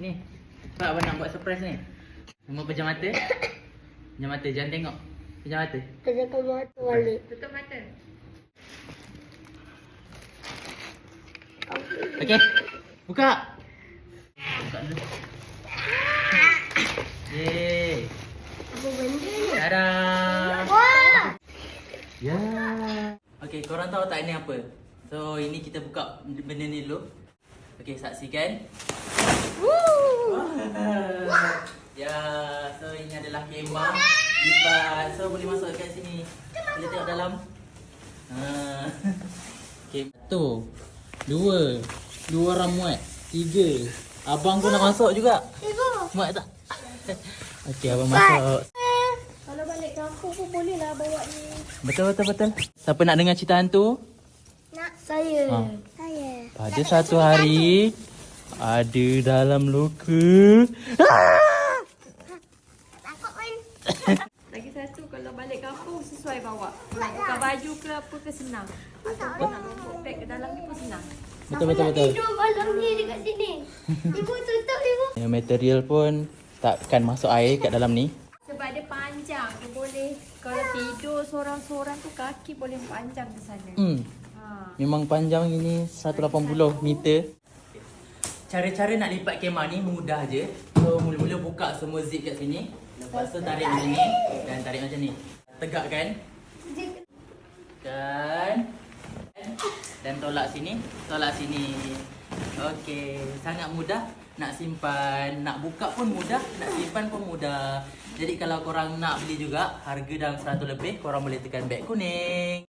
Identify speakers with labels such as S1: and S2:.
S1: Ni. Pak abang nak buat surprise ni. Nombor pejam mata. Pejam mata, jangan tengok. Pejam mata.
S2: Pejamkan mata balik.
S3: Tutup mata.
S1: Okey. Buka. Buka dulu. Yeay.
S2: Apa benda ni?
S1: Tada.
S2: Wah!
S1: Ya. Okey, korang tahu tak ini apa? So, ini kita buka benda ni dulu. Okey, saksikan. Ya, so ini adalah kemah lipat. So, boleh masuk kat sini. Boleh tengok dalam. Okey, satu, dua orang muat, tiga. Abang pun nak masuk juga.
S2: Ibu.
S1: Muat tak? Okey, abang masuk.
S3: Kalau balik kampung pun boleh lah bawa ni.
S1: Betul. Siapa nak dengar cerita hantu?
S2: Nak saya.
S1: Ha.
S2: Saya.
S1: Pada satu hari ada dalam loka.
S2: Takut kan?
S3: Lagi satu kalau balik kampung sesuai bawa. Nak tukar baju ke apa ke senang. Ataupun nak bawa beg ke dalam ni pun senang.
S1: Betul.
S2: Tidur malam ni dekat sini. Ibu tutup ibu.
S1: Yang material pun takkan masuk air kat dalam ni.
S3: Sebab dia panjang. Dia boleh kalau tidur seorang-seorang tu kaki boleh panjang ke sana. Ha.
S1: Memang panjang ini 180 meter. Cara-cara nak lipat kemah ni mudah je. So mula-mula buka semua zip kat sini. Lepas tu tarik macam ni dan tarik macam ni. Tegakkan. Dan tolak sini. Okey, sangat mudah. Nak simpan, nak buka pun mudah, nak simpan pun mudah. Jadi kalau korang nak beli juga, harga dalam 100 lebih, korang boleh tekan beg kuning.